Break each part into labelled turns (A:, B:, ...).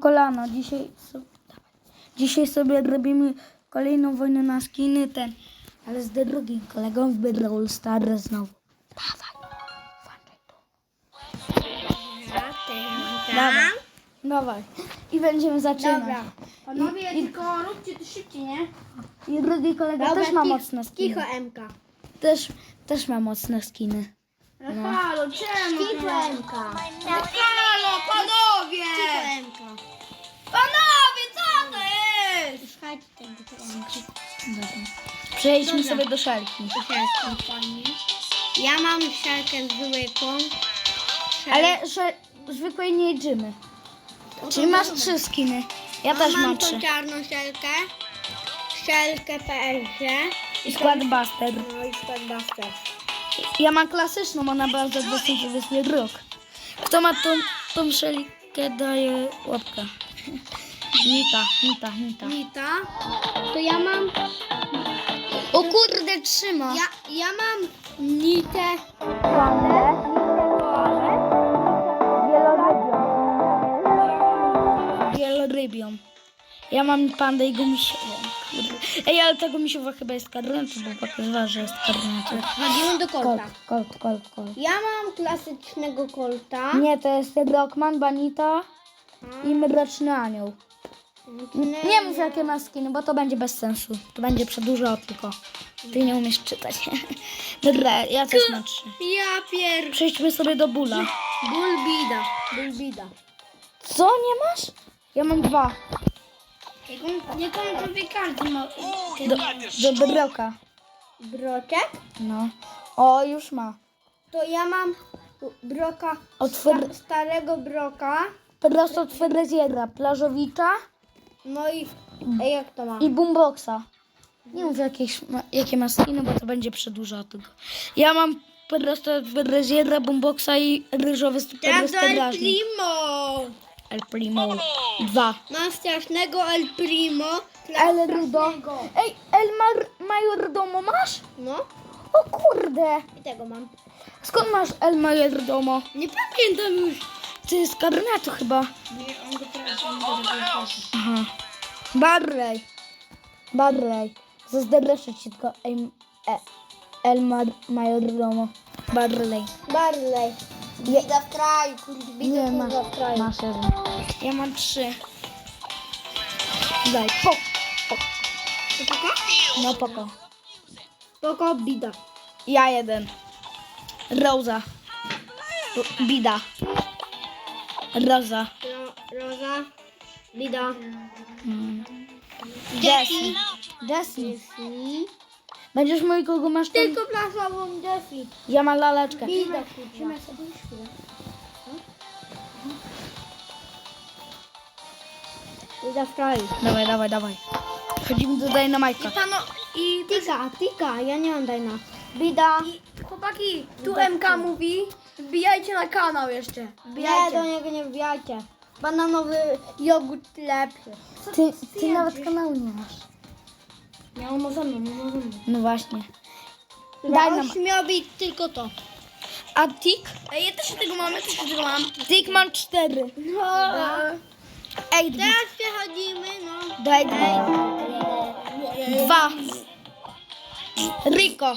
A: kolana. Dzisiaj sobie robimy kolejną wojnę na skiny, ale z drugim kolegą w Brawl Stars znowu. Dawaj, włączaj tu. Dawaj. I będziemy zaczynać.
B: Dobra. Panowie, tylko róbcie to szybciej, nie?
A: I drugi kolega też ma mocne skiny.
B: Kicho MK.
A: Też ma mocne skiny.
B: No halo, czemu?
C: Kicho MK.
B: No halo, panowie!
C: Kicho MK.
B: Panowie, co to jest?
C: Słuchajcie tego Kicho MK.
A: Dobra. Przejdźmy sobie do szalki.
C: Fajnie. Ja mam siarkę zwykłą.
A: Ale że zwykłej nie jedziemy. Czyli masz 3 skiny. Ja też mam 3.
C: tą czarną siarkę. Siarkę PSG.
A: I skład Buster.
C: No i skład Buster.
A: Ja mam klasyczną, ona była za 2020 rok. Kto ma tą szelkę, daje łapkę. Nita.
C: Nita. To ja mam...
A: O kurde, trzyma.
C: Ja mam nitę.
A: Wielorybią. Ja mam pandę i gumisiową. Ej, ale ta gumisiowa chyba jest karneta, bo pokazywała, że jest karneta.
C: Chodzimy do kolta.
A: Colt.
C: Ja mam klasycznego kolta.
A: Nie, to jest Rockman, Banita i Mroczny Anioł. Nie mów jakie ma skiny, bo to będzie bez sensu. To będzie przedłużało tylko. Ty nie umiesz czytać. Dobra, ja też mam 3.
C: Ja
A: Przejdźmy sobie do Bula.
C: Bulbida.
A: Co, nie masz? Ja mam 2.
B: Jaką sobie każdy ma?
A: Do Broka.
C: Broczek?
A: No. O, już ma.
C: To ja mam broka, starego broka.
A: Prosto od Fryzjera, Plażowicza
C: No i jak to ma?
A: i Boomboxa. Nie mów jakie ma skiny, bo to będzie przedłużało tylko. Ja mam prosto od Fryzjera, Boomboxa i ryżowy super strażnik. El Primo. 2.
C: Mam strasznego El Primo.
A: El Rudo. Ej, El Mayordomo masz?
C: No
A: O kurde.
C: i tego mam.
A: Skąd masz El Mayordomo?
C: Nie pamiętam już.
A: Ty z karnetu chyba.
B: On go teraz
A: Aha. Barley. Zazdroszczę ci tylko El Mayordomo. Barley.
C: Bida w kraju,
A: Nie,
C: kurwa w kraju.
A: masz 1. Ja mam 3. Daj, pok. No poko.
C: Spoko, bida.
A: Ja 1. Rosa. Bida. Rosa.
C: Roza, bida.
A: Jessie. Będziesz mój, kogo masz tam?
C: Tylko plasową Jessie.
A: Ja mam laleczkę.
C: Bida, kurwa. Bida w kraju.
A: Dawaj. Chodzimy do Dynamite'a.
C: I Tika, ja nie mam dajna. Bida.
B: Chłopaki, tu MK mówi, wbijajcie na kanał jeszcze.
C: Nie, do niego nie wbijajcie. Bananowy jogurt lepszy.
A: Ty nawet kanału nie masz.
C: Ja mam ze mną.
A: No właśnie.
C: Daj śmiał być tylko to.
A: A Tik?
B: Ej, ja też tego mam,
A: Tik mam 4.
C: No.
A: Ej,
C: Teraz przechodzimy, no.
A: daj 2. Rico.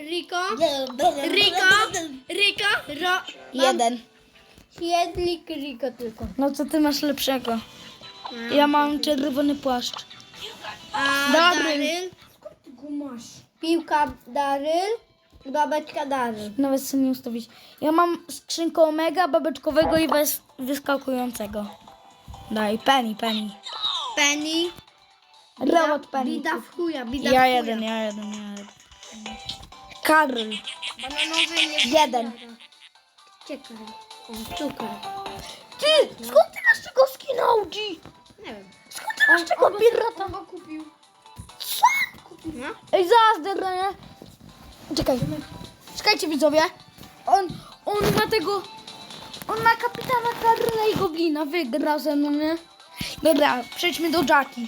C: Riko.
A: 1.
C: Siedlik Riko tylko.
A: No co ty masz lepszego? Ja mam czerwony płaszcz.
C: A
A: Daryl.
C: Piłka Daryl. Babeczka Daryl.
A: Nawet sobie nie ustawić. Ja mam skrzynkę Omega, babeczkowego i wyskakującego. Daj, Penny.
C: Penny.
A: Robot Penny.
C: Bida w chuja.
A: Ja jeden. Karl.
C: Bananowy nie
A: 1.
C: Czekaj. Cukier.
A: Ty, skąd ty masz tego skina OG?
C: Nie wiem.
A: Skąd ty masz tego pirata?
B: go kupił.
A: Co?
C: No.
A: Ej, zaraz, nie? Czekajcie widzowie. On ma tego... On ma kapitana Karla i Goblina. Wygra ze mną, nie? Dobra, przejdźmy do Jackie.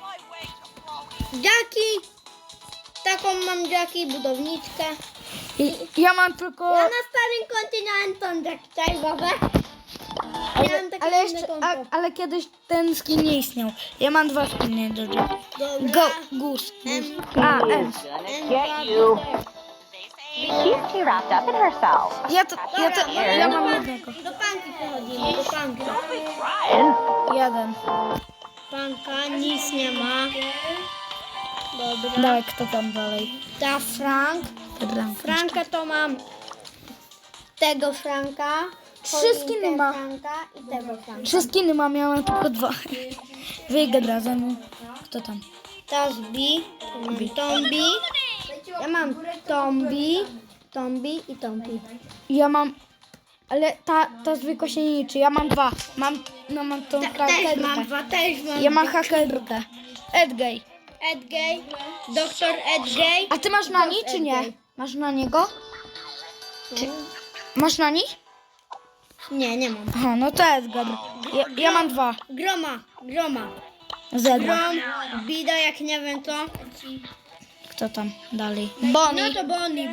C: Jackie. Taką mam Jackie, budowniczkę.
A: Ja mam tylko...
C: Ja na starym kontynencie Jackie, cześć babę. Miałem takie
A: Ale,
C: inne
A: jeszcze,
C: konto.
A: ale kiedyś ten skin nie istniał. Ja mam 2 skiny do Go, Goose. A, M.
D: Get you. She's too wrapped up in herself.
A: Ja mam jednego.
C: Do panki przechodzimy, do panki.
A: Jeden.
C: Panka, nic nie ma. Dobra.
A: Dawaj, kto tam dalej?
C: Ta Frank. Franka to mam tego Franka.
A: skiny ma.
C: Franka i tego Franka.
A: 3 skiny mam, ja mam tylko 2. Wygra ze mną. Kto tam?
C: Tasbi, Tombi. Ja mam Tombi i Tombi.
A: Ja mam... Ale ta zwykła się nie liczy. Ja mam 2. Mam tą
C: Też
A: hakerkę.
C: mam dwa, też mam.
A: Ja mam hakerkę. Edgay.
C: Edgay, doktor Edgay.
A: A ty masz nani, czy nie? Masz na niego? Masz nani?
C: Nie, nie mam.
A: Aha, no to Edgar. Ja mam 2.
C: Groma.
A: Zero.
C: Grom, bida, jak nie wiem to.
A: Kto tam dalej? Bonnie.
C: No to Bonnie.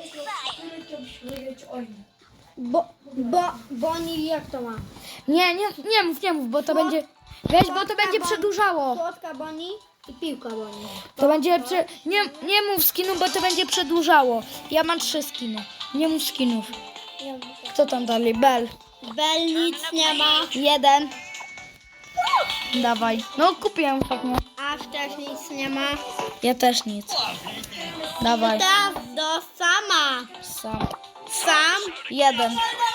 C: Bonnie, jak to ma?
A: Nie mów, bo to będzie... Weź, bo to będzie przedłużało.
C: Słodka Bonnie i piłka Bonnie.
A: To będzie... Nie mów skinu, bo to będzie przedłużało. Ja mam 3 skiny. Nie mów skinów. Kto tam dalej? Bell.
C: Bell nic nie ma.
A: 1. Dawaj. No kupiłem ostatnio.
C: Aż też nic nie ma.
A: Ja też nic. Dawaj.
C: Teraz do sama. Sam.
A: 1.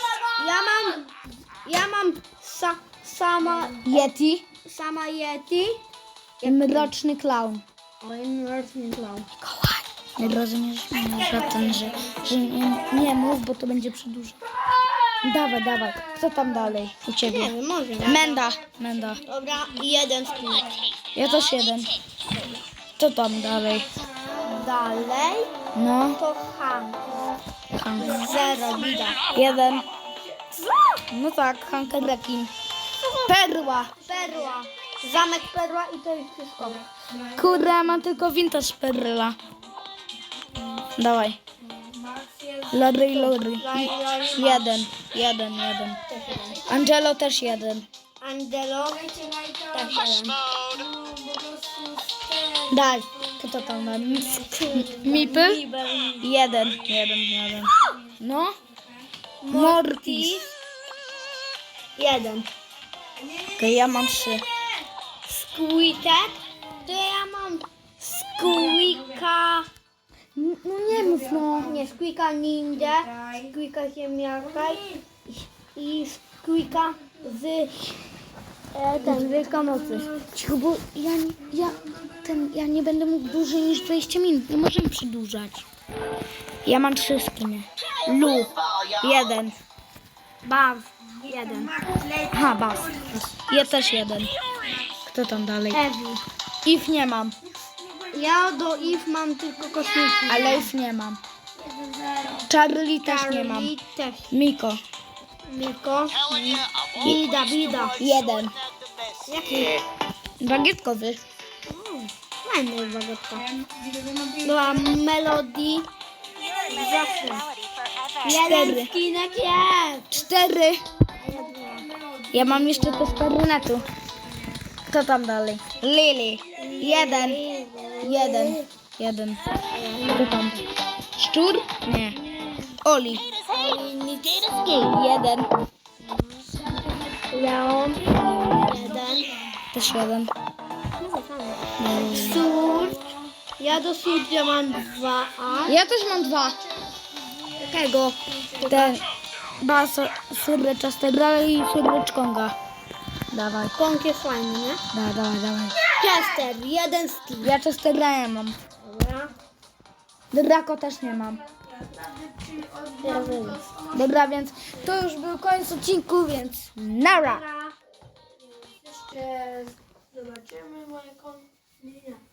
C: Ja mam sama Yeti.
A: Mroczny klaun.
C: Oj, mroczny clown.
A: Nie rozumiesz mnie, że nie mów, bo to będzie przedłużać. Dawaj. Kto tam dalej? U
C: Nie
A: ciebie.
C: wiem, może.
A: Menda.
C: Dobra, i jeden skinek.
A: Ja też 1. Kto tam dalej?
C: Dalej
A: No.
C: to Hank.
A: Hank.
C: 0, widać.
A: 1. No tak, Hank Rekin. Perła.
C: Perła. Zamek Perła i to jest wszystko.
A: Kurde, ja mam tylko vintage perla. Dawaj. Lodry. 1. Angelo też 1.
C: Angelo też jeden.
A: Daj. Kto tam ma? Mipy? 1. No. Mortis.
C: 1.
A: Okej, ja mam 3.
C: Squeaker. To ja mam Squeaka.
A: No nie mów, no.
C: Nie, Squeaka Ninja. Squeaka Ziemniaka. I Squeaka z Wielkanocy.
A: Cicho, bo ja nie będę mógł dłużej niż 20 minut. Nie możemy przedłużać. Ja mam 3 skiny. Lu. 1.
C: Baw. 1.
A: Aha, Bas. Ja też 1. Kto tam dalej?
C: Ewi.
A: If nie mam.
C: Ja do Eve mam tylko kosmiki.
A: Ale If nie mam. Charlie też nie mam.
C: Charlie też.
A: Miko.
C: Miko. Bida.
A: 1.
C: Jaki?
A: Bagietkowy.
C: Fajny bagetka. Była Melody. Zawsze.
A: 4.
C: Jeden skinek jest.
A: 4. Ja mam jeszcze te z karnetu. Kto tam dalej? Lily. 1. Kto tam? Szczur? Nie. Oli. 1.
C: Leon. 1.
A: Też 1.
C: Surge. Ja do Surge mam 2.
A: Ja też mam 2.
C: Jakiego?
A: Ten. Syrycza Stegrala i Syryczkonga. Dawaj.
C: Kąk jest fajny, nie?
A: Dawaj.
C: Chester. 1 skin.
A: Ja Chester'a mam.
C: Dobra.
A: Draco też nie mam. Dobra, więc to już był koniec odcinku, więc nara!
B: Jeszcze zobaczymy moje konto.